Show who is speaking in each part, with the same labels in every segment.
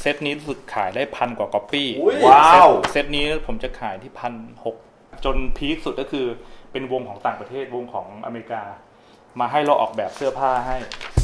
Speaker 1: เซตนี้รู้สึกขายได้1,000 กว่าก๊อปปี้
Speaker 2: ว้าว
Speaker 1: เซตนี้ผมจะขายที่1,600จนพีคสุดก็คือเป็นวงของต่างประเทศวงของอเมริกามาให้เราออกแบบเสื้อผ้าให้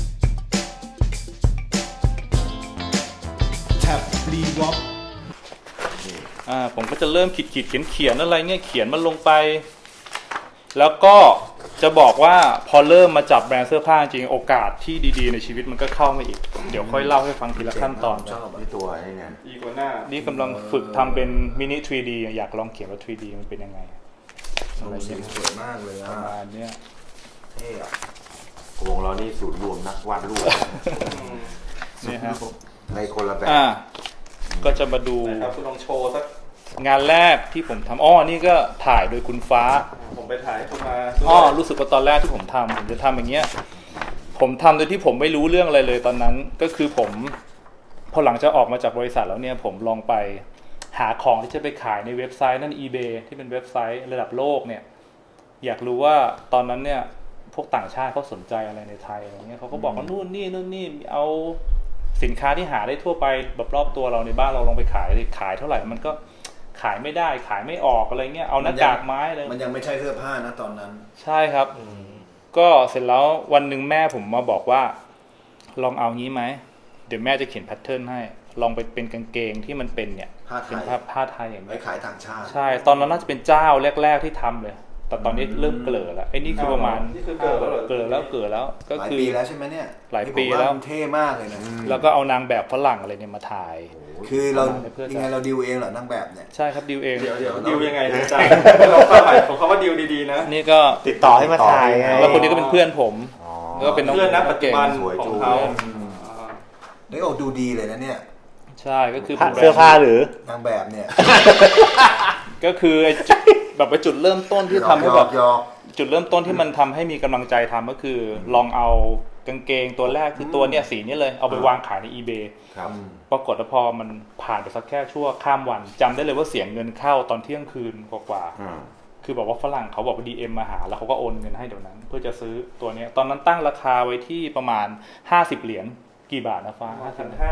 Speaker 3: แท็บรีวอป
Speaker 1: ผมก็จะเริ่มขีดเขียนอะไรเงี้ยเขียนมันลงไปแล้วก็จะบอกว่าพอเริ่มมาจับแบรนด์เสื้อผ้าจริงโอกาสที่ดีๆในชีวิตมันก็เข้ามาอีกเดี๋ยวค่อยเล่าให้ฟังทีละขั้นตอน
Speaker 2: ชอบที่ตัวนี่ไง
Speaker 4: อีกัวน่า
Speaker 1: นี่กำลังฝึกทำเป็นมินิ 3D อยากลองเขียนว่า 3D มันเป็นยังไง
Speaker 2: อะไรเงี้ยสวยมากเลย
Speaker 1: ประมาณนี้
Speaker 2: เท่อะวงเรานี่ศูนย์รวมนักวาดรูป
Speaker 1: นี่ฮะ
Speaker 2: ในคนละแบบ
Speaker 1: ก็จะมาดู
Speaker 4: ครับคุณลองโชว์สัก
Speaker 1: งานแรกที่ผมทำนี่ก็ถ่ายโดยคุณฟ้า
Speaker 4: ผมไปถ่ายคุณมา
Speaker 1: รู้สึกว่าตอนแรกที่ผมจะทำอย่างเงี้ยผมทำโดยที่ผมไม่รู้เรื่องอะไรเลยตอนนั้นก็คือผมพอหลังจากออกมาจากบริษัทแล้วเนี่ยผมลองไปหาของที่จะไปขายในเว็บไซต์นั่น eBay ที่เป็นเว็บไซต์ระดับโลกเนี่ยอยากรู้ว่าตอนนั้นเนี่ยพวกต่างชาติเขาสนใจอะไรในไทยอะไรเงี้ยเขาก็บอกว่านู่นนี่เอาสินค้าที่หาได้ทั่วไปแบบรอบตัวเราในบ้านเราลองไปขายเท่าไหร่มันก็ขายไม่ได้ขายไม่ออกอะไรเงี้ยเอาหน้ากากไม้เลย
Speaker 2: มันยังไม่ใช่เสื้อผ้านะตอนนั้น
Speaker 1: ใช่ครับก็เสร็จแล้ววันหนึ่งแม่ผมมาบอกว่าลองเอางี้ไหมเดี๋ยวแม่จะเขียนแพทเทิร์นให้ลองไปเป็นกางเกงที่มันเป็นเนี่ย
Speaker 2: เป็น
Speaker 1: ผ้าไทยอย่างนี้
Speaker 2: ไปขายต่างชาติ
Speaker 1: ใช่ตอนนั้นน่าจะเป็นเจ้าแรกๆที่ทำเลยแต่ตอนนี้เริ่มเกลือแล้วไอ้นี่คือประมาณเกลือแล้วก็
Speaker 2: คือหลายปีแล้วใช่ไหมเนี่ย
Speaker 1: หลายปีแล้ว
Speaker 2: เท่มากเลยนะ
Speaker 1: แล้วก็เอานางแบบฝรั่งอะไรเนี่ยมาถ่าย
Speaker 2: คือเรายังไงเราดิวเองเหรอนางแบบเนี่ย
Speaker 1: ใช่ครับดิวเอง
Speaker 4: เดี๋ยวดิวยังไงอาจารย์เราความหมายของเขาว่าดิวดีๆนะ
Speaker 1: นี่ก็
Speaker 2: ติดต่อให้มาถ่ายไง
Speaker 1: แล้วคนนี้ก็เป็นเพื่อนผมก็เป็นน้อง
Speaker 4: เพื่อนนะปัจจุบันของเขา
Speaker 2: ได้ออกดูดีเลยนะเนี่ย
Speaker 1: ใช่ก็คือ
Speaker 2: เสื้อผ้าหรือนางแบบเนี่ย
Speaker 1: ก็คือแบบไปจุดเริ่มต้นที่ทำให้แบบจุดเริ่มต้นที่มันทำให้มีกำลังใจทำก็คือลองเอากางเกงตัวแรกคือตัวเนี่ยสีนี้เลยเอาไปวางขายใน eBay ปรากฏว่าพอมันผ่านไปสักแค่ชั่วข้ามวันจำได้เลยว่าเสียงเงินเข้าตอนเที่ยงคืนกว่าคือบอกว่าฝรั่งเขาบอกว่า DM มาหาแล้วเขาก็โอนเงินให้เดี๋ยวนั้นเพื่อจะซื้อตัวนี้ตอนนั้นตั้งราคาไว้ที่ประมาณ50 เหรียญกี่บาทนะฟ้า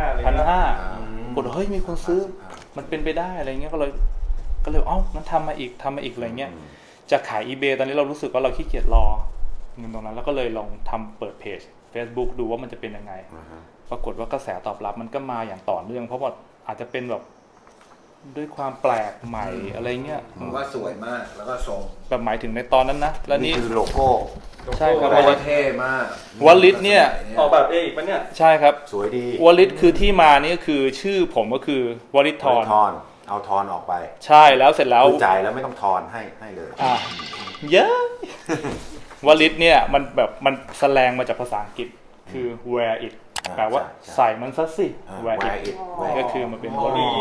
Speaker 1: 1,500กดเฮ้ยมีคนซื้อมันเป็นไปได้อะไรเงี้ยก็เลยงั้นทำมาอีกอะไรเงี้ยจะขาย eBay ตอนนี้เรารู้สึกว่าเราขี้เกียจรอเงินตรงนั้นแล้วก็เลยลองทำเปิดเพจ Facebook ดูว่ามันจะเป็นยังไงปรากฏว่ากระแสตอบรับมันก็มาอย่างต่อเนื่องเพราะว่าอาจจะเป็นแบบด้วยความแปลกใหม่อะไรเงี้ย
Speaker 2: มันว่าสวยมากแล้วก็ทรง
Speaker 1: แบบหมายถึงในตอนนั้นนะแล้วนี่
Speaker 2: คือโลโก้
Speaker 1: ใช่ครับ
Speaker 2: เท่มาก
Speaker 1: วอลลิตเนี่ย
Speaker 4: ออกแบบเองปะเนี่ย
Speaker 1: ใช่ครับ
Speaker 2: สวยดี
Speaker 1: วอลลิตคือที่มานี่คือชื่อผมก็คือวอลลิตทอน
Speaker 2: เอาทอนออกไป
Speaker 1: ใช่แล้วเสร็จแล้ว
Speaker 2: จ่ายแล้วไม่ต้องทอนให้เลย
Speaker 1: เยอะวอลลิตเนี่ยมันแบบมันแสลงมาจากภาษาอังกฤษคือ wear it แปลว่าใส่มันซะสิ wear it ก็คือมันเป็นวอลลิต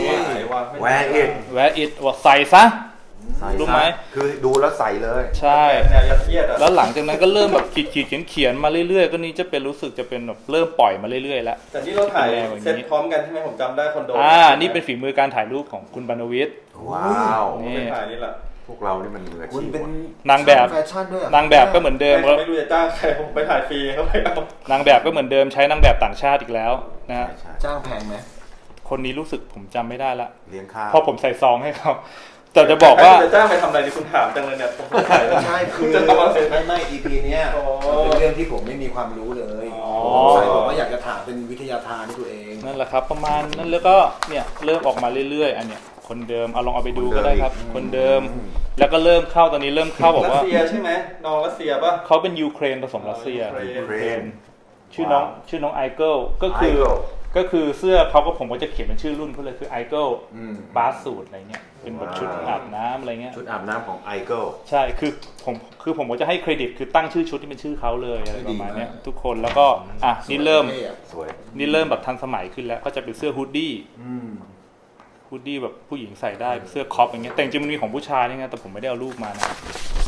Speaker 2: wear
Speaker 1: it ว่าใส่ซะรู้ไหม
Speaker 2: คือดูแล้วใส่เลย
Speaker 1: ใช่แล้วหลังจากนั้นก็เริ่มแบบเขียนมาเรื่อยๆก็นี้จะเป็นรู้สึกจะเป็นแบบเริ่มปล่อยมาเรื่อยๆแล้ว
Speaker 4: แต่ที่เราถ่ายเซตพร้อมกันใช่ไหมผมจำได้คอนโด
Speaker 1: นี่เป็นฝีมือการถ่ายรูปของคุณบรรณวิทย์
Speaker 2: ว้าว
Speaker 4: นี่ถ่ายนี่แหละ
Speaker 2: พวกเรานี่มันมืออาชีพ
Speaker 1: เป็นนางแบบนางแบบก็เหมือนเดิม
Speaker 4: ไม่รู้จะจ้างใครผมไปถ่ายฟรีเขาไม่เอา
Speaker 1: นางแบบก็เหมือนเดิมใช้นางแบบต่างชาติอีกแล้วนะฮะ
Speaker 2: จ้างแพงไหม
Speaker 1: คนนี้รู้สึกผมจำไม่ได้ละ
Speaker 2: เลี้ยงข้าว
Speaker 1: พอผมใส่ซองให้เขาแต่จะบอกว่า
Speaker 4: จะจ้างไปทำอะไรนี่คุณถามจังเลยเนี่ย
Speaker 2: ใช่คือจะทำอะไรไม่ EP เนี้ยเป็นเรื่องที่ผมไม่มีความรู้เลยใส่ผมว่าอยากจะถามเป็นวิทยาทานที่ตัวเอง
Speaker 1: นั่นแหละครับประมาณนั้นแล้วก็เนี่ยเริ่มออกมาเรื่อยๆอันเนี้ยคนเดิมลองเอาไปดูก็ได้ครับคนเดิมแล้วก็เริ่มเข้าตอนนี้เริ่มเข้าบอกว่า
Speaker 4: รัสเซียใช่ไหมน้องรัสเซียป่ะ
Speaker 1: เขาเป็นยูเครนผสมรัสเซียชื่อน้องไอเกิลก็คือเสื้อเขาก็ผมก็จะเขียนเป็นชื่อรุ่นเขาเลยคือไอเกิลบาสสูทอะไรเงี้ยเป็นแบบชุดอาบน้ำอะไรเงี้ย
Speaker 2: ชุดอาบน้ำของไอเกิล
Speaker 1: ใช่คือผมก็จะให้เครดิตคือตั้งชื่อชุดที่เป็นชื่อเขาเลยอะไรประมาณนี้ทุกคนแล้วก็นี่เริ่มแบบทันสมัยขึ้นแล้วก็จะเป็นเสื้อฮูดดี้แบบผู้หญิงใส่ได้เสื้อคอปอย่างเงี้ยแต่จริงมันมีของผู้ชายนี่ไงแต่ผมไม่ได้เอารูปมานะ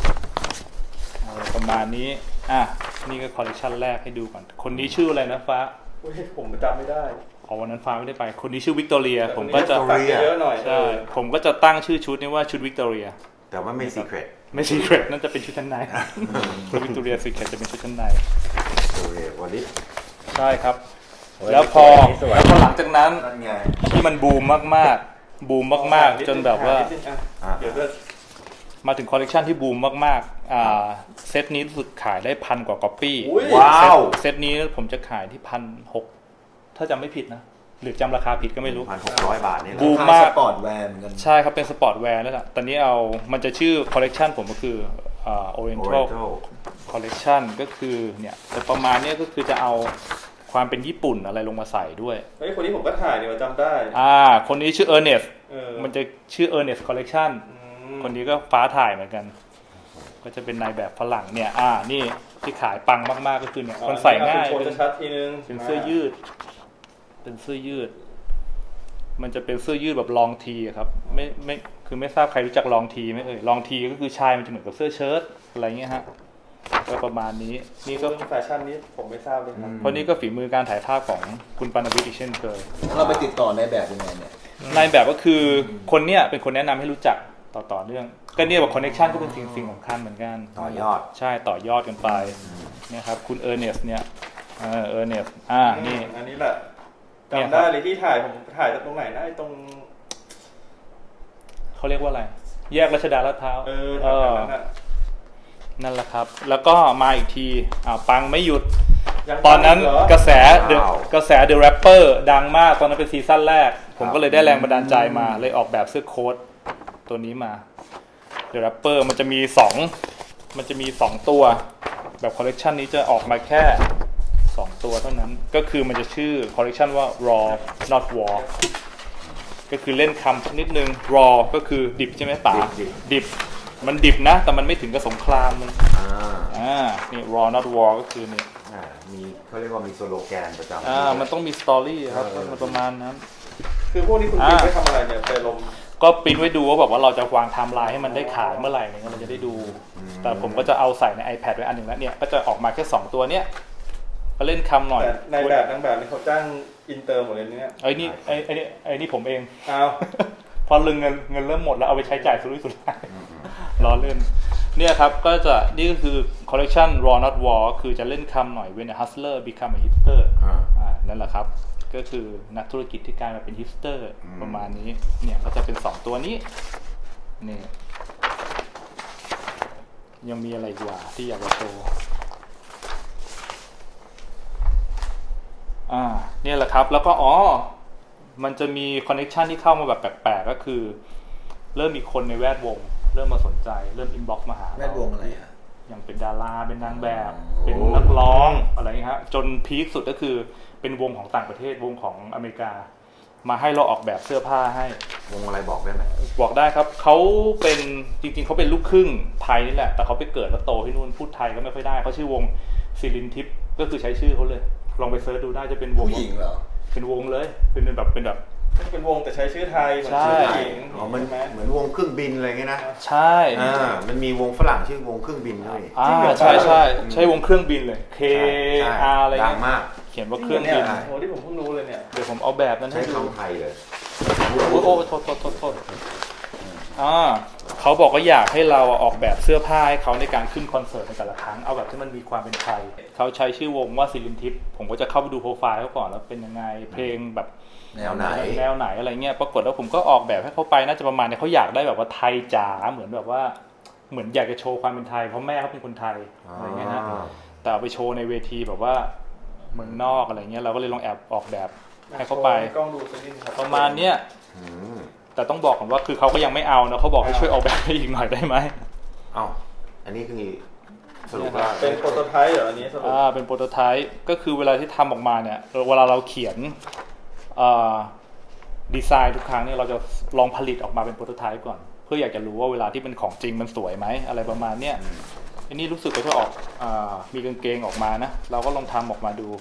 Speaker 1: ประมาณนี้นี่ก็คอลเลคชันแรกให้ดูก่อนคนนี้ชื่ออะไรนะฟ้า
Speaker 4: ผมจำไม่ได้
Speaker 1: วันนั้นฟ้าไม่ได้ไปคนนี้ชื่อวิกตอเรียผมก็จะ
Speaker 4: เยอะหน่อย
Speaker 1: ใช่ผมก็จะตั้งชื่อชุดนี้ว่าชุดวิกตอเรีย
Speaker 2: แต่ว่าไม่ซีเครต
Speaker 1: นั่นจะเป็นชุดชั้นในวิกตอเรียซีเครตจะเป็นชุดชั้นใน
Speaker 2: วอลลิต
Speaker 1: ใช่ครับแล้วพอหลังจากนั้น
Speaker 2: นั่นไง
Speaker 1: ที่มันบูมมากๆบูมมากๆจนแบบว่า
Speaker 4: เดี๋ยวเลือก
Speaker 1: มาถึงคอลเลกชันที่บูมมากๆเซตนี้รู้สึกขายได้1,000 กว่าก๊อปปี้
Speaker 2: ว้าว
Speaker 1: เซตนี้ผมจะขายที่1,600ถ้าจำไม่ผิดนะหรือจำราคาผิดก็ไม่รู้
Speaker 3: 1,600 บาทนี่แหละ
Speaker 1: บูมมาก
Speaker 2: สปอร์ตแวร์เหมือนกัน
Speaker 1: ใช่ครับเป็นสปอร์ตแวร์นั่นแหละตอนนี้มันจะชื่อคอลเลกชันผมก็คือOriental Collection ก็คือเนี่ยแต่ประมาณนี้ก็คือจะเอาความเป็นญี่ปุ่นอะไรลงมาใส่ด้วย
Speaker 4: เฮ้ยคนนี้ผมก็ถ่ายเดี๋ยวจำได้
Speaker 1: คนนี้ชื่อ Ernest มัน
Speaker 4: น
Speaker 1: จะชื่อ Ernest Collection คนนี้ก็ฟ้าถ่ายเหมือนกัน ก็จะเป็นนายแบบฝรั่งเนี่ยนี่ที่ขายปังมากๆก็คือเนี่ยมันใส่ง่าย
Speaker 4: เป็นชัดทีนึง
Speaker 1: เป็นเสื้อยืด เป็นเสื้อยืด มันจะเป็นเสื้อยืดแบบลองทีครับไม่คือไม่ทราบใครรู้จักลองทีไหมลองทีก็คือชายมันจะเหมือนกับเสื้อเชิ้ตอะไรเงี้ยฮะก็ประมาณนี้นี่ก็
Speaker 4: แฟชั่นนี้ผมไม่ทราบเลยครับ
Speaker 1: เพราะนี่ก็ฝีมือการถ่ายภาพของคุณปานวิทย์อีกเช่นเคย
Speaker 2: เราไปติดต่อในแบบยังไงเนี่ย
Speaker 1: นายแบบก็คือคนเนี้ยเป็นคนแนะนำให้รู้จักต่อเนื่องก็เนี่ยแบบคอนเนคชั่นก็เป็นสิ่งสำคัญเหมือนกัน
Speaker 3: ต่อยอด
Speaker 1: ใช่ต่อยอดกันไปเนี่ยครับคุณเออร์เนสเนี่ยเออร์เนสนี่
Speaker 4: อันนี้แหละจำได้เลยที่ถ่ายผมถ่ายจากตรงไหนนะไอ้ตรง
Speaker 1: เขาเรียกว่าอะไรแยกรัชดาลาดพร้าว นั่นแหละครับแล้วก็มาอีกทีปังไม่หยุดตอนนั้นกระแสเดอะแรปเปอร์ดังมากตอนนั้นเป็นซีซั่นแรกผมก็เลยได้แรงบันดาลใจมาเลยออกแบบเสื้อโค้ทตัวนี้มาเดอะแรปเปอร์มันจะมี2ตัวแบบคอลเลกชันนี้จะออกมาแค่2ตัวเท่านั้นก็คือมันจะชื่อคอลเลกชันว่า raw not war ก็คือเล่นคำนิดนึง raw ก็คือดิบใช่ไหมป๋าดิบมันดิบนะแต่มันไม่ถึงกับสงครามมันนี่ raw not war ก็คือนี่
Speaker 3: มีเขาเรียกว่ามีสโลแกนประจำ
Speaker 1: มันต้องมีสตอรี่ครับมันประมาณนั้น
Speaker 4: คือพวกนี้คุณปิ๊กไปทำอะไรเนี่ยไปลง
Speaker 1: ก็ปริ้นไว้ดูว่าแบบว่าเราจะวางไทม์ไลน์ให้มันได้ขายเมื่อไหร่เนี่ยเราจะได้ดูแต่ผมก็จะเอาใส่ใน iPad ไว้อันหนึ่งแล้วเนี่ยก็จะออกมาแค่2ตัวเนี้ยก็เล่นคำหน่อย
Speaker 4: ในแบบนางแบบนี่เขาจ้างอินเตอร์หมดเลยเนี่ย
Speaker 1: ไอ้นี่ผมเอง พอเงินเริ่มหมดแล้วเอาไปใช้จ่ายสุรุ่ยสุร่ายล้อเล่นเนี่ยครับก็จะนี่ก็คือคอลเลกชัน raw not war คือจะเล่นคำหน่อย when a hustler become a hipster นั่นแหละครับก็คือนักธุรกิจที่กลายมาเป็นฮิปสเตอร์ประมาณนี้เนี่ยก็จะเป็น2ตัวนี้นี่ยังมีอะไรอีกว่าที่อยากจะโชว์เนี่ยแหละครับแล้วก็มันจะมีคอนเนคชันที่เข้ามาแบบแปลกๆก็คือเริ่มมีคนในแวดวงเริ่มมาสนใจเริ่มอินบ็อกซ์มาหา
Speaker 2: แวดวงอะไร
Speaker 1: อย่างเป็นดาราเป็นนางแบบเป็นนักร้องอะไรอย่างเงี้ยฮะจนพีคสุดก็คือเป็นวงของต่างประเทศวงของอเมริกามาให้เราออกแบบเสื้อผ้าให้
Speaker 3: วงอะไรบอกได้ไหม
Speaker 1: บอกได้ครับเขาเป็นจริงๆเขาเป็นลูกครึ่งไทยนี่แหละแต่เขาไปเกิดแล้วโตที่นู่นพูดไทยก็ไม่ค่อยได้เขาชื่อวงซิลินทิปก็คือใช้ชื่อเขาเลยลองไปเซิร์ชดูได้จะเป็นวง
Speaker 2: ผู้หญิงเหรอ
Speaker 1: เป็นวงเลยเป็น
Speaker 4: วงแต่ใช้ชื่อไทยเหมือนชื่อผู้หญิง
Speaker 3: มันเหมือนวงเครื่องบินอะไรเงี้ยนะ
Speaker 1: ใช่
Speaker 3: มันมีวงฝรั่งชื่อวงเครื่องบินด้วย
Speaker 1: ใช่วงเครื่องบินเลย KR อะไร
Speaker 3: ดังมาก
Speaker 1: เขียนว่าเครื่องบิน
Speaker 4: โอ้ที่ผมเพิ่งรู้เลยเนี่ย
Speaker 1: เดี๋ยวผมเอาแบบนั้นให้
Speaker 3: ใช้คำไทยเลย
Speaker 1: โอ้โทษเขาบอกว่าอยากให้เราออกแบบเสื้อผ้าให้เขาในการขึ้นคอนเสิร์ตในแต่ละครั้งเอาแบบที่มันมีความเป็นไทยเขาใช้ชื่อวงว่าซิลินทิปผมก็จะเข้าไปดูโปรไฟล์เขาก่อนแล้วเป็นยังไงเพลงแบบ
Speaker 3: แนวไห
Speaker 1: นอะไรเงี้ยปรากฏว่าผมก็ออกแบบให้เขาไปน่าจะประมาณเนี่ยเขาอยากได้แบบว่าไทยจ๋าเหมือนแบบว่าเหมือนอยากจะโชว์ความเป็นไทยเพราะแม่เขาเป็นคนไทยอะไรเงี้ยนะแต่เอาไปโชว์ในเวทีแบบว่าเมืองนอกอะไรเงี้ยเราก็เลยลองแอบออกแบบให้เขาไปประมาณเนี้ยแต่ต้องบอกก่อนว่าคือเขาก็ยังไม่เอานะเขาบอกให้ช่วยออกแบบให้อีกหน่อยได้ไหม
Speaker 3: อันนี้คือสรุปว่า
Speaker 4: เป็นโปรโตไทป์เหรออันนี้สรุป
Speaker 1: เป็นโปรโตไทป์ก็คือเวลาที่ทำออกมาเนี่ยเวลาเราเขียนดีไซน์ทุกครั้งเนี่ยเราจะลองผลิตออกมาเป็นโปรโตไทป์ก่อนเพื่ออยากจะรู้ว่าเวลาที่เป็นของจริงมันสวยไหมอะไรประมาณเนี้ยอันนี้รู้สึกว่าจะออกมีกางเกงออกมานะเราก็ลองทำออกมาดู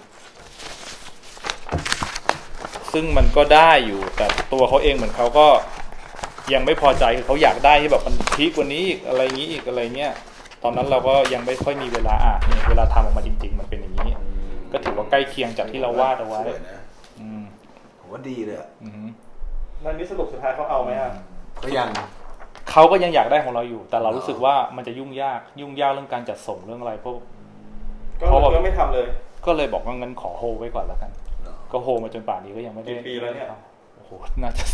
Speaker 1: ซึ่งมันก็ได้อยู่แต่ตัวเขาเองเหมือนเขาก็ยังไม่พอใจคือเขาอยากได้ที่แบบมันพีคกว่านี้อีกอะไรงี้อีกอะไรเงี้ยตอนนั้นเราก็ยังไม่ค่อยมีเวลานี่เวลาทำออกมาจริงๆมันเป็นอย่างนี้ก็ถือว่าใกล้เคียงจากที่เราวาดเอาไว้
Speaker 2: ผมว่าดีเลย
Speaker 4: นั่นนี่สรุปสุดท้ายเขาเอาไหม
Speaker 2: เขา
Speaker 1: ก็ยังอยากได้ของเราอยู่แต่เรารู้สึกว่ามันจะยุ่งยากเรื่องการจัดส่งเรื่องอะไรเพราะ
Speaker 4: ก็ไม่ทำเลย
Speaker 1: ก็เลยบอกว่างั้นขอโฮไว้ก่อนแล้วกันก็โฮมาจนป่านนี้ก็ยังไม่ได้
Speaker 4: กี่ปีแล้วเนี่ย
Speaker 1: โอ้โหน่าจะ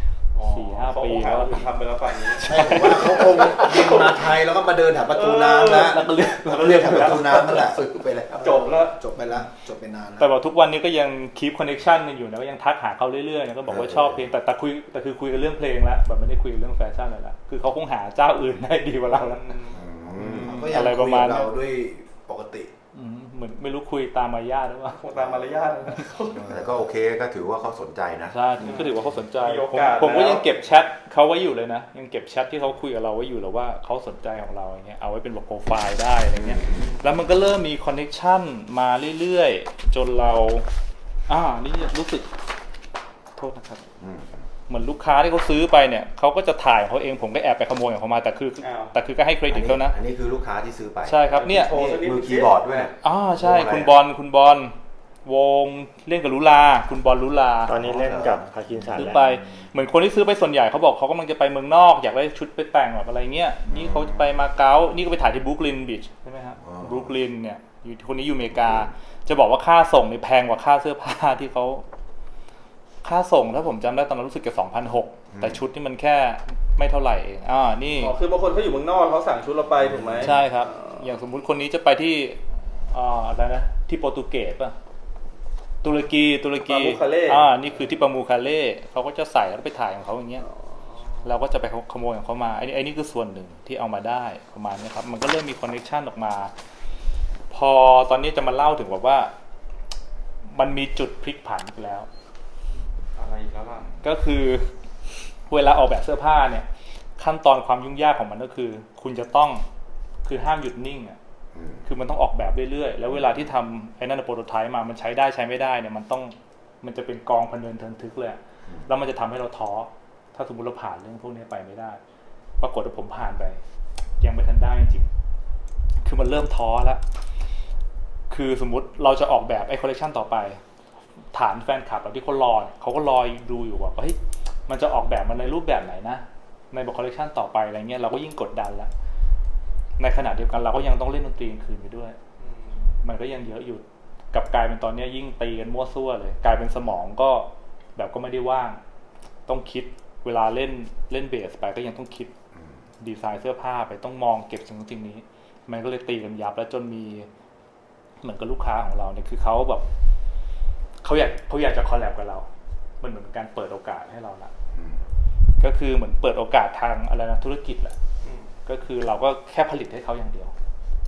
Speaker 1: 4-5 ปี
Speaker 4: เขา
Speaker 1: แล้ว
Speaker 4: คงทำไปแล้วป่านนี้
Speaker 2: ใช่ผมว่าเขาคงบินมาไทยแล้วก็มาเดินแถวประตูน้ำแล้ว
Speaker 1: แล้วก็เรียก
Speaker 2: แล้วก็เรียกแถวประตูน้ำนั่นแหละซื้อไปแล้ว
Speaker 4: จบแล้ว
Speaker 2: จบไปแล้วจบไปนานแล้ว
Speaker 1: แต่ว่าทุกวันนี้ก็ยังคีปคอนเนคชั่นกันอยู่นะก็ยังทักหาเขาเรื่อยๆนะก็บอกว่าชอบเพลงแต่คือคุยกันเรื่องเพลงแล้วแบบไม่ได้คุยกันเรื่องแฟชั่นเลยละคือเขาคงหาเจ้าอื่นได้ดีกว่าเราแล้ว
Speaker 2: ก็ยัง
Speaker 1: อะไร
Speaker 2: คุ
Speaker 1: ป
Speaker 2: ย
Speaker 1: ระมาณ
Speaker 2: กับ
Speaker 1: นั้น
Speaker 2: เราด้วยปกติ
Speaker 1: เหมือนไม่รู้คุยตามมารยาทหรือเปล่า
Speaker 4: คงตามมารยาทเลยนะ
Speaker 3: แต่ก็โอเคก็ถือว่าเขาสนใจนะ
Speaker 1: ใช่ก็ถือว่าเขาสนใจ
Speaker 4: มีโอกาส
Speaker 1: ผมก็
Speaker 4: แล้ว
Speaker 1: ยังเก็บแชทเขาไว้อยู่เลยนะยังเก็บแชทที่เขาคุยกับเราไว้อยู่แล้วว่าเขาสนใจของเราอย่างเงี้ยเอาไว้เป็นแบบโปรไฟล์ได้อะไรเงี้ยแล้วมันก็เริ่มมีคอนเนคชั่นมาเรื่อยๆจนเรานี่รู้สึกโทษนะครับ เหมือนลูกค้าที่เขาซื้อไปเนี่ยเขาก็จะถ่ายของเขาเองผมก็แอบไปขโมยของเขามาแต่คือก็ให้เครดิตเขานะ
Speaker 3: อันนี้คือลูกค้าที่ซื้อไป
Speaker 1: ใช่ครับเนี่ย
Speaker 4: โชว์สักนิด
Speaker 3: มือคีย์บอร์ดด้วย
Speaker 1: ใช่คุณบอลวงเล่นกับลุลาคุณบอลลุลา
Speaker 5: ตอนนี้เล่นกับพาคินสัน
Speaker 1: ซื้อ
Speaker 5: แล้ว
Speaker 1: ไปเหมือนคนที่ซื้อไปส่วนใหญ่เขาบอกเขากำลังจะไปเมืองนอกอยากได้ชุดไปแต่งแบบอะไรเงี้ยนี่เขาจะไปมาเก๊านี่ก็ไปถ่ายที่บรูคลินบีชใช่ไหมครับบรูคลินเนี่ยอยู่คนนี้อยู่อเมริกาจะบอกว่าค่าส่งนี่แพงกว่าค่าเสื้อผ้าที่เขาค่าส่งถ้าผมจำได้ตอนนั้นรู้สึกจะ 2,600 แต่ชุดนี่มันแค่ไม่เท่าไหร่เองนี่
Speaker 4: คือบางคนเขาอยู่เมืองนอกเขาสั่งชุดเราไปถูกไหม
Speaker 1: ใช่ครับ อย่างสมมุติคนนี้จะไปที่อะไรนะที่โปรตุเกสป่ะตุรกี
Speaker 4: ปามูคาเล่
Speaker 1: นี่คือที่ปามูคาเล่เขาก็จะใส่แล้วไปถ่ายของเขาอย่างเงี้ยเราก็จะไปขโมยของเขามาไอ้นี่คือส่วนหนึ่งที่เอามาได้ประมาณนี้ครับมันก็เริ่มมีคอนเนคชั่นออกมาพอตอนนี้จะมาเล่าถึงแบบว่ามันมีจุดพลิกผันไปแล้ว
Speaker 4: อะไรอีกแล้วล่ะ
Speaker 1: ก็คือเวลาออกแบบเสื้อผ้าเนี่ยขั้นตอนความยุ่งยากของมันก็คือคุณจะต้องคือห้ามหยุดนิ่งอ่ะคือมันต้องออกแบบเรื่อยๆแล้วเวลาที่ทำไอ้นั่นโปรโตไทป์มามันใช้ได้ใช้ไม่ได้เนี่ยมันจะเป็นกองพะเนินเทินทึกเลยแล้วมันจะทำให้เราท้อถ้าสมมติเราผ่านเรื่องพวกนี้ไปไม่ได้ปรากฏว่าผมผ่านไปยังไม่ทันได้จริงๆคือมันเริ่มท้อแล้วคือสมมุติเราจะออกแบบไอ้คอลเลคชันต่อไปฐานแฟนคลับที่เขารอเขาก็รอดูอยู่ว่าเฮ้ยมันจะออกแบบมันในรูปแบบไหนนะในคอลเลคชันต่อไปอะไรเงี้ยเราก็ยิ่งกดดันแล้วในขณะเดียวกันเราก็ยังต้องเล่นดนตรีคืนไปด้วยมันก็ยังเยอะอยู่กับกลายเป็นตอนนี้ยิ่งตีกันมั่วซั่วเลยกลายเป็นสมองก็แบบก็ไม่ได้ว่างต้องคิดเวลาเล่นเบสไปก็ยังต้องคิดดีไซน์เสื้อผ้าไปต้องมองเก็บสิ่งนี้มันก็เลยตีกันยับแล้วจนมีเหมือนกับลูกค้าของเราเนี่ยคือเขาแบบเขาอยากจะคอลแลบกับเรามันเหมือนการเปิดโอกาสให้เราละก็คือเหมือนเปิดโอกาสทางอะไรนะธุรกิจแหละก็คือเราก็แค่ผลิตให้เขาอย่างเดียว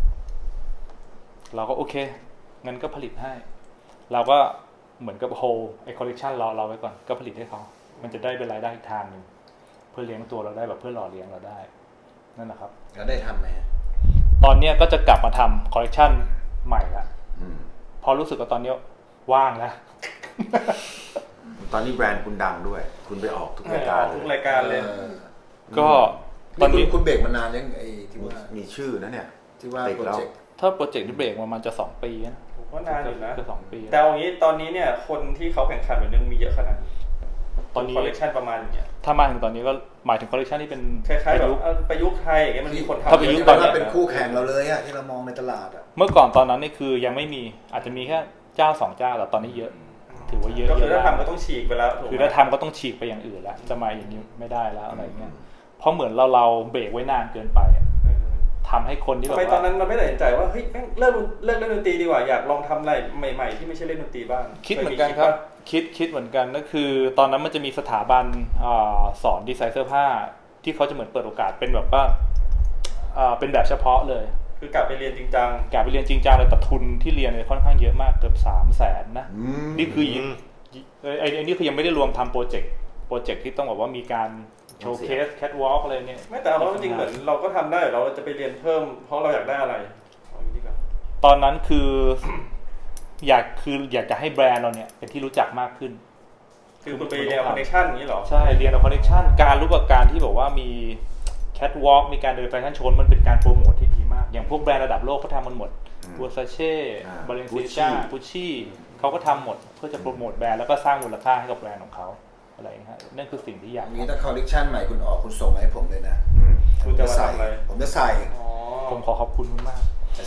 Speaker 1: เราก็โอเคงั้นก็ผลิตให้เราก็เหมือนกับโฮไอคอลเลคชันเราไว้ก่อนก็ผลิตให้เขามันจะได้เป็นรายได้อีกทางหนึ่งเพื่อเลี้ยงตัวเราได้แบบเพื่อหล่อเลี้ยงเราได้นั่นแหละครับ
Speaker 2: แล้วได้ทำไหม
Speaker 1: ตอนนี้ก็จะกลับมาทำคอลเลคชันใหม่ละพอรู้สึกว่าตอนนี้ว่างแล้ว
Speaker 3: ตอนนี้แบรนด์คุณดังด้วย คุณไปออกทุกรายการ
Speaker 4: ทุกรายการเลย
Speaker 1: ก็ตอนนี้
Speaker 2: คุณเบรกมานานยังไอ้ที่ว่า
Speaker 3: มีชื่อนะเนี่ย
Speaker 2: ที่ว่า
Speaker 3: เบรก
Speaker 2: โปร
Speaker 3: แล้ว
Speaker 2: เจกต์
Speaker 1: ถ้าโปรเจกต์ที่เบรกมันจะ2 ปีนะ
Speaker 4: ผมว่านานอยู่นะ
Speaker 1: คือ2 ปี
Speaker 4: แต่เอางี้ตอนนี้เนี่ยคนที่เขาแข่งขันแบบนี้มีเยอะขนาด
Speaker 1: ตอนนี้
Speaker 4: คอลเลคชันประมาณอย่างเงี้ย
Speaker 1: ถ้ามาถึงตอนนี้ก็หมายถึงคอลเลคชันที่เป็น
Speaker 4: คล้ายๆแบบ
Speaker 1: ประยุกต์
Speaker 4: ประยุกต์ไทยอย่างเงี้ยมันมีคนทำ
Speaker 1: ถ้าประยุกต์ตอนนี้
Speaker 2: เป็นคู่แข่งเราเลยอะที่เรามองในตลาดอะ
Speaker 1: เมื่อก่อนตอนนั้นนี่คือยังไม่มีอาจจะมีแค่เจ้า2 เจ้าแต่ตอนนี้เยอะถือว่าเยอะ
Speaker 4: ก็คือ
Speaker 1: เย
Speaker 4: ถ้า
Speaker 1: อะ
Speaker 4: ทำก็ต้องฉีกไปแล้วถูกไหม
Speaker 1: คือถ้าทำก็ต้องฉีกไปอย่างอื่นแล้วจะมาอย่างนี้ไม่ได้แล้วอะไรเงี้ยเพราะเหมือนเราเบรกไว้นานเกินไปอะทำให้คนที่
Speaker 4: ทำ
Speaker 1: แบบ
Speaker 4: ไมตอน
Speaker 1: ว่า
Speaker 4: นั้นมันไม่ตัดสินใจว่าเฮ้ยแม่งเลิกเล่นดนตรีดีกว่าอยากลองทำอะไรใหม่ๆที่ไม่ใช่เล่นดนตรีบ้าง
Speaker 1: คิดเหมือนกันครับคิดเหมือนกันก็คือตอนนั้นมันจะมีสถาบันสอนดีไซน์เสื้อผ้าที่เขาจะเหมือนเปิดโอกาสเป็นแบบว่าเป็นแบบเฉพาะเลย
Speaker 4: คือกลับไปเรียนจริงจัง
Speaker 1: กลับไปเรียนจริงจังเลยแต่ทุนที่เรียนเนี่ยค่อนข้างเยอะมากเกือบ300,000นะนี่คือไอ้นี่คือยังไม่ได้รวมทำโปรเจกต์ที่ต้องบอกว่ามีการโชว์เคสแคทวอล์กอะไรเนี่ย
Speaker 4: ไม่แต่เอาจริงๆเหมือนเราก็ทำได้เราจะไปเรียนเพิ่มเพราะเราอยากได้อะไรเอาอย่างนี้ดีกว่า
Speaker 1: ตอนนั้นคืออยากจะให้แบรนด์เราเนี่ยเป็นที่รู้จักมากขึ้น
Speaker 4: คือคุณไปเรียนคอนเนคชั่นอย่างนี้เหรอ
Speaker 1: ใช่เรียนเอาคอนเนคชั่นการรู้กับการที่บอกว่ามีแคทวอล์กมีการเดินแฟชั่นโชว์มันเป็นการโปรโมทที่ดีมากอย่างพวกแบรนด์ระดับโลกเขาทำมันหมดบัวซาเช่บาเลนเซียก้ากุชชี่เขาก็ทำหมดเพื่อจะโปรโมทแบรนด์แล้วก็สร้างมูลค่าให้กับแบรนด์ของเขาอะไรอย่างเงี้ยนั่นคือสิ่งที่อยาก
Speaker 2: อย่างนี้ถ้าคอลเลคชันใหม่คุณออกคุณส่งมาให้ผมเลยนะ
Speaker 4: คุณจะมาทำอะไร
Speaker 2: ผมจะใส่
Speaker 4: อ๋อ
Speaker 1: ผมขอขอบคุณมาก
Speaker 2: จะ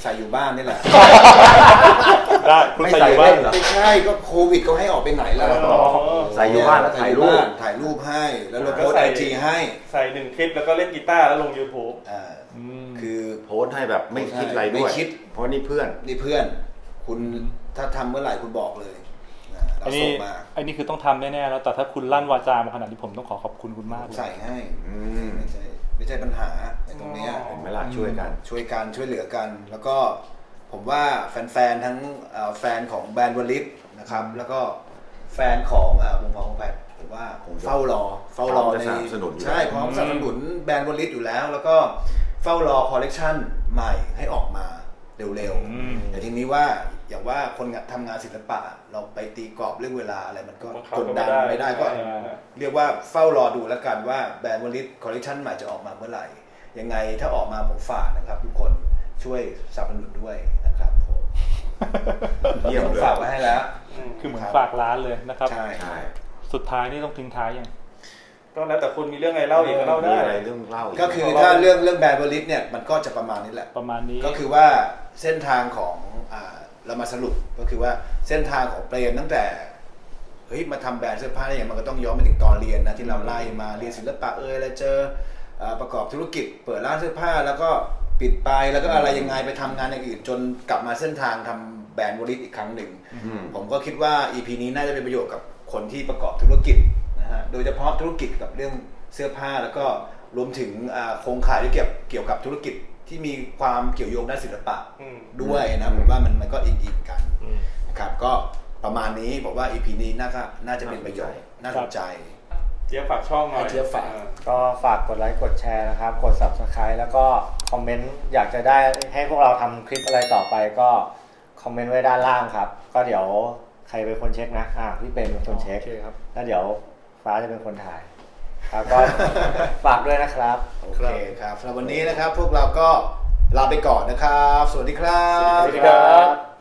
Speaker 2: ใส่อยู่บ้านนี่แหละ
Speaker 1: ได้คุณใส่อยู่บ้าน
Speaker 2: ไม่ใช่ก็โควิดเขาให้ออกไปไหนล่ะ
Speaker 3: ใส่อยู่บ้านแล้วถ่ายรูป
Speaker 2: ถ่ายรูปให้แล้วเราโพสไอจีให้
Speaker 4: ใส่1 คลิปแล้วก็เล่นกีตาร์แล้วลง YouTube
Speaker 2: คือ
Speaker 3: โพสต์ให้แบบไม่คิดอะไรด้วย
Speaker 2: ไม่คิด
Speaker 3: เพราะนี่เพื่อน
Speaker 2: นี่เพื่อนคุณถ้าทำเมื่อไหร่คุณบอกเลยเรา
Speaker 1: อัน
Speaker 2: ส่
Speaker 1: นี้
Speaker 2: งมา
Speaker 1: อันนี้คือต้องทำแน่ๆแล้วแต่ถ้าคุณลั่นวาจามาขนาดนี้ผมต้องขอบคุณคุณมากเลย
Speaker 2: ใส่ให้
Speaker 3: อืม
Speaker 2: ไม่ใช่ปัญหาในตรงเนี้ย
Speaker 4: อ๋อ
Speaker 3: เห็นไหมล่ะช่วยกัน
Speaker 2: ช่วยกันช่วยเหลือกัน แล้วก็ผมว่าแฟนๆทั้งแฟนของแบรนด์วลิตนะครับแล้วก็แฟนของวงของแพทผมว่าผมเฝ้ารอ
Speaker 3: พร้อมจะสนับสนุนอยู่
Speaker 2: ใช่พร้อมสนับสนุนแบรนด์วลิตอยู่แล้ว แล้วก็เฝ้ารอคอลเลกชันใหม่ให้ออกมาเร็วๆแต่ทีนี้ว่าอย่างว่าคนทำงานศิลปะเราไปตีกรอบเรื่องเวลาอะไรมันก็
Speaker 4: บังคับ
Speaker 2: กดดัน
Speaker 4: ก็ไม่
Speaker 2: ไม่
Speaker 4: ได้
Speaker 2: ได้ก็เรียกว่าเฝ้ารอดูแล้วกันว่าแบรนด์วลิตคอลเลกชันใหม่จะออกมาเมื่อไหร่ยังไงถ้าออกมาผมฝากนะครับทุกคนช่วยสนับสนุนด้วยนะครับผม
Speaker 3: เยี่ยมเลย
Speaker 2: ฝากไว้ให้แล้ว
Speaker 1: คือเหมือนฝากร้านเลยนะครับ
Speaker 2: ใช่
Speaker 3: ใช่
Speaker 1: สุดท้ายนี่ต้องทิ้งท้ายยัง
Speaker 4: ก็แล้วแต่คุณมีเรื่องอะไรเล่าอีกก็เล่า
Speaker 3: มี
Speaker 4: ได้
Speaker 3: อะไรเรื่องเล่าอี
Speaker 2: ก็คือถ้าเรื่องแบรนด์วลิตเนี่ยมันก็จะประมาณนี้แหละ
Speaker 1: ประมาณนี้
Speaker 2: ก็คือว่าเส้นทางของเรามาสรุปก็คือว่าเส้นทางของเปรมตั้งแต่เฮ้ยมาทำแบรนด์เสื้อผ้าได้อย่างมันก็ต้องย้อนไปถึงตอนเรียนนะที่เราไล่มาเรียนศิลปะอะไรเจอประกอบธุรกิจเปิดร้านเสื้อผ้าแล้วก็ปิดไปแล้วก็อะไรยังไงไปทำงานอย่างอื่นจนกลับมาเส้นทางทำแบรนด์วลิตอีกครั้งหนึ่ง ผมก็คิดว่า EP นี้น่าจะเป็นประโยชน์กับคนที่ประกอบธุรกิจนะฮะโดยเฉพาะธุรกิจกับเรื่องเสื้อผ้าแล้วก็รวมถึงโครงข่ายที่เกี่ยวกับธุรกิจที่มีความเกี่ยวโยงด้านศิลปะ ด้วยนะผมว่ามันก็อินกันนะครับก็ประมาณนี้ผมว่า EP นี้น่าจะเป็นประโยชน์น่าสนใจ
Speaker 4: เจี๊ยบฝากช่องหน่อย
Speaker 2: เจี๊ยบฝาก
Speaker 5: ก็ฝากกดไลค์กดแชร์นะครับ กด Subscribe แล้วก็คอมเมนต์อยากจะได้ให้พวกเราทำคลิปอะไรต่อไปก็คอมเมนต์ไว้ด้านล่างครับ ก็เดี๋ยวใครเป็นคนเช็คนะพี่เป็นคนเช็ค
Speaker 1: โอเคครับ
Speaker 5: แล้วเดี๋ยวฟ้าจะเป็นคนถ่ายครับก็ ฝากด้วยนะครับ
Speaker 2: โอเคครับสำหรับวันนี้นะครับพวกเราก็ลาไปก่อนนะครับ สวัสดีครับ
Speaker 1: สวัสดีครับ